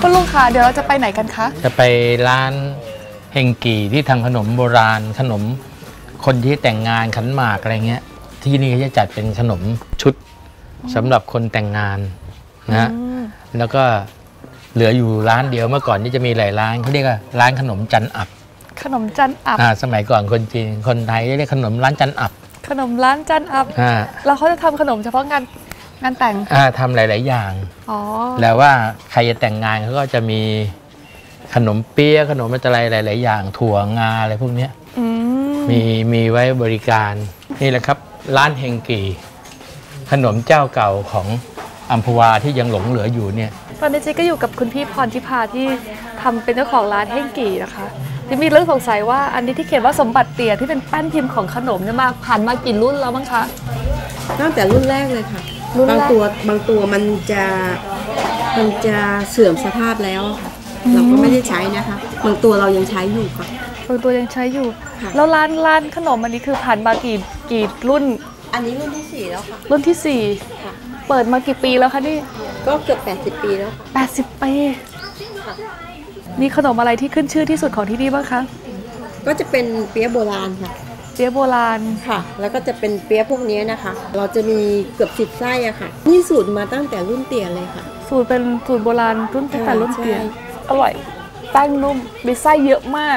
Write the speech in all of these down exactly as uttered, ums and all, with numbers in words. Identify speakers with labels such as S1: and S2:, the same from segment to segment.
S1: คุณลุงคะเดี๋ยวเราจะไปไหนกันคะ
S2: จะไปร้านเฮงกี่ที่ทำขนมโบราณขนมคนที่แต่งงานขันหมากอะไรเงี้ยที่นี่เขาจะจัดเป็นขนมชุดสำหรับคนแต่งงานนะแล้วก็เหลืออยู่ร้านเดียวเมื่อก่อนนี่จะมีหลายร้านเขาเรียกว่าร้านขนมจันอับ
S1: ขนมจันอับ
S2: อ่าสมัยก่อนคนจีนคนไทยเรียกขนมร้านจันอับ
S1: ขนมร้านจันอับ
S2: อ่า
S1: แล้วเขาจะทำขนมเฉพาะงานงานแต่ง
S2: อ่าทำหลายๆอย่าง
S1: อ๋อ
S2: แล้วว่าใครจะแต่งงานเขาก็จะมีขนมเปี๊ยะขนมอะไรหลายๆอย่างถั่วงาอะไรพวกนี้มีมีไว้บริการนี่แหละครับร้านเฮงกี่ขนมเจ้าเก่าของอัมพวาที่ยังหลงเหลืออยู่เนี่ย
S1: ตอนนี้เจ๊ก็อยู่กับคุณพี่พรทิพาที่ทำเป็นเจ้าของร้านเฮงกี่นะคะที่มีเรื่องสงสัยว่าอันนี้ที่เขียนว่าสมบัติเตี่ยที่เป็นแป้นพิมพ์ของขนมเนี่ยมาผ่านมากี่รุ่นแล้วมั้งคะ
S3: ตั้งแต่รุ่นแรกเลยค่ะบางตัวบางตัวมันจะมันจะเสื่อมสภาพแล้วเราก็ไม่ได้ใช้นะคะบางตัวเรายังใช้อยู่ค่ะ
S1: บางตัวยังใช้อยู่แล้วร้านร้านขนมอันนี้คือผ่านมากี่กี่รุ่น
S3: อันนี้รุ่นที่สี่แล้วค่ะ
S1: รุ่นที่สี่เปิดมากี่ปีแล้วคะนี่
S3: ก็เกือบแปดสิบปีแล้ว
S1: แปดสิบปีมีขนมอะไรที่ขึ้นชื่อที่สุดของที่นี่บ้างคะ
S3: ก็จะเป็นเปี๊ยะโบราณค่ะ
S1: เปี๊ยะโบราณ
S3: ค่ะแล้วก็จะเป็นเปี๊ยะพวกนี้นะคะเราจะมีเกือบสิบไส้อะค่ะนี่สูตรมาตั้งแต่รุ่นเตี่ยเลยค่ะ
S1: สูตรเป็นสูตรโบราณรุ่นตั้งแต่รุ่นเตี่ยอร่อยแป้งนุ่มมีไส้เยอะมาก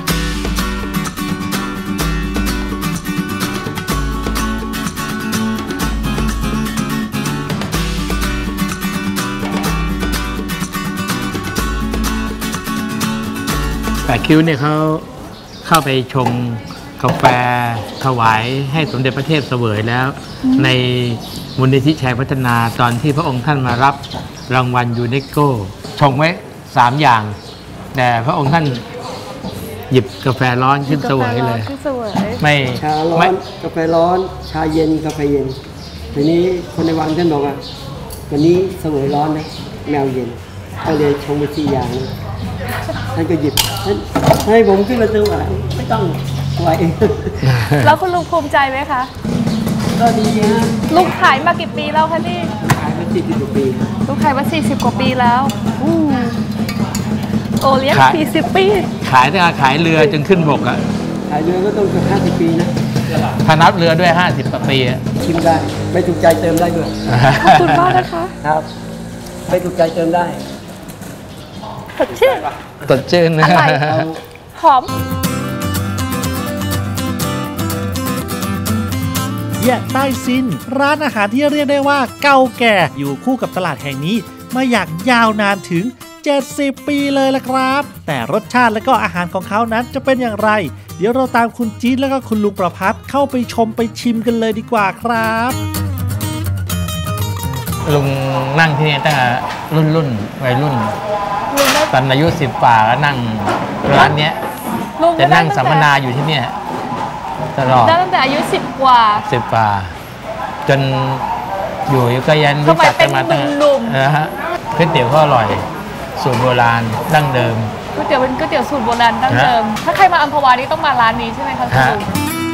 S2: แปดคิ้วเนี่ยเขาเข้าไปชงกาแฟถวายให้สมเด็จพระเทพเสวยแล้วในมูลนิธิชัยพัฒนาตอนที่พระองค์ท่านมารับรางวัลยูเนสโกชงไว้สามอย่างแต่พระองค์ท่านหยิบกาแฟร้อนขึ้นเสวยเลย
S4: ไม่ชาร้อนกาแฟร้อนชาเย็นกาแฟเย็นทีนี้คนในวังท่านบอกอ่ะวันนี้เสวยร้อนนะแมวเย็นก็เลยชงไปสี่อย่างท่านก็หยิบให้ผมขึ้นมาซื้ออะไรไม่ต้องไหว
S1: แล้วคุณลุงภูมิใจไหมคะ
S4: ก็ดีนะ
S1: ลุงขายมากี่ปีแล้วคะนี่
S4: ขายมาสี่สิบกว่าปี
S1: ลุงขายมาสี่สิบกว่าปีแล้วโอเลี้ยงสี่สิบปี
S2: ขายตั้งแต่ขายเรือจนขึ้นบกอ่ะ
S4: ขายเรือก็ต้องเกือบห้าสิบปีนะ
S2: ถ้านับเรือด้วยห้าสิบกว่าปี
S4: ชิมได้ไม่ถูกใจเติมได้ด้วย
S1: ขอบคุณมากนะคะ
S4: ครับไม่ถูกใจเติมได้
S1: สดชื่น
S2: สดชื่นนะ
S1: หอม
S5: แยะใต้ซินร้านอาหารที่เรียกได้ว่าเก่าแก่อยู่คู่กับตลาดแห่งนี้มาอย่างยาวนานถึงเจ็ดสิบปีเลยละครับแต่รสชาติและก็อาหารของเขานั้นจะเป็นอย่างไรเดี๋ยวเราตามคุณจี๊ดและก็คุณลุงประภัสเข้าไปชมไปชิมกันเลยดีกว่าครับ
S2: ลุงนั่งที่นี่ตั้งแต่รุ่นรุ่นวัยรุ่นตอนอายุสิบป่าก็นั่งร้านนี้จะนั่งสัมมนาอยู่ที่นี่ตลอด
S1: ตั้งแต่อายุสิบกว่า
S2: สิบป่าจนอยู่ก็ยันรู้จักกันมาตั้งนะฮะก๋วยเตี๋ยวก็อร่อยสูตรโบราณดั้งเดิม
S1: ก๋วยเตี๋ยวเป็นก๋วยเตี๋ยวสูตรโบราณดั้งเดิมถ้าใครมาอัมพวานี่ต้องมาร้านนี้ใช่ไหมคะคุณลุง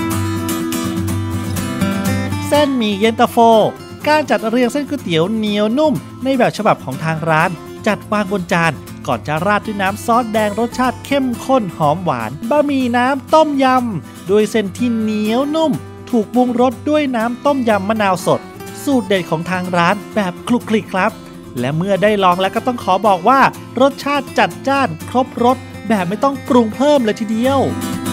S5: เส้นหมี่เย็นตาโฟการจัดเรียงเส้นก๋วยเตี๋ยวเหนียวนุ่มในแบบฉบับของทางร้านจัดวางบนจานก่อนจะราดด้วยน้ำซอสแดงรสชาติเข้มข้นหอมหวานบะหมี่น้ำต้มยำด้วยเส้นที่เหนียวนุ่มถูกปรุงรสด้วยน้ำต้มยำมะนาวสดสูตรเด็ดของทางร้านแบบคลุกคลิกครับและเมื่อได้ลองแล้วก็ต้องขอบอกว่ารสชาติจัดจ้านครบรสแบบไม่ต้องปรุงเพิ่มเลยทีเดียว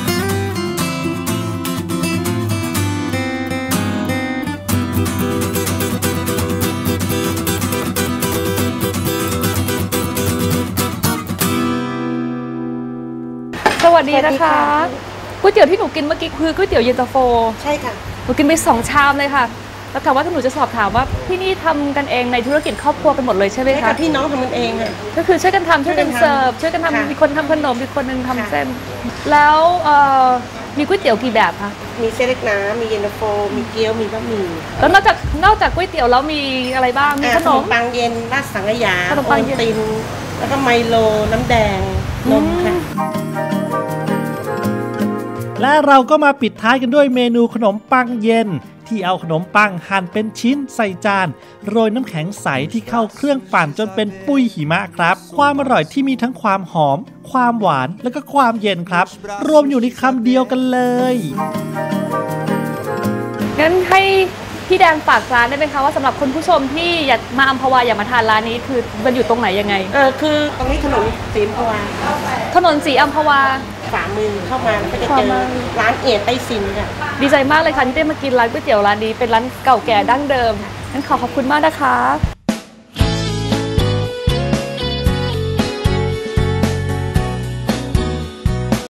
S1: สวัสดีนะคะก๋วยเตี๋ยวที่หนูกินเมื่อกี้คือก๋วยเตี๋ยวเย็นตาโฟ
S3: ใช่ค่ะ
S1: หนูกินไปสองชามเลยค่ะแล้วแต่ว่าถ้าหนูจะสอบถามว่าที่นี่ทำกันเองในธุรกิจครอบครัวกันหมดเลยใช่ไหมคะ
S3: พี่น้องทำกันเองอ่ะ
S1: ก็คือช่วยกันทำช่วยกันเสิร์ฟช่วยกันทำมีคนทำขนมมีคนนึงทำเส้นแล้วมีก๋วยเตี๋ยวกี่แบบคะ
S3: มีเส้นเล็กน้ำมีเย็นตาโฟมีเกี๊ยวมีบะหมี่
S1: แล้วนอกจากนอกจากก๋วยเตี๋ยวแล้วมีอะไรบ้างมีขนม
S3: ปังเย็นราดสังขยาขนมปังตินแล้วก็ไมโลน้ำแดงนมค่ะ
S5: และเราก็มาปิดท้ายกันด้วยเมนูขนมปังเย็นที่เอาขนมปังหั่นเป็นชิ้นใส่จานโรยน้ำแข็งใสที่เข้าเครื่องปั่นจนเป็นปุ้ยหิมะครับความอร่อยที่มีทั้งความหอมความหวานและก็ความเย็นครับรวมอยู่ในคำเดียวกันเลย
S1: งั้นให้พี่แดงฝากร้านได้ไหมคะว่าสำหรับคุณผู้ชมที่อยากมาอัมพวาอยากมาทานร้านนี้คือมันอยู่ตรงไหนยังไง
S6: เออคือตรงนี้ถนนศรีอัมพวา
S1: ถนนศรีอัมพวา
S6: ขวามือเข้ามาก็จะเจอร้านเอียดไต้ซินค่ะ
S1: ดีใจมากเลยค่ะที่ได้มากินร้านก๋วยเตี๋ยวร้านนี้เป็นร้านเก่าแก่ดั้งเดิมงั้นขอขอบคุณมากนะคะ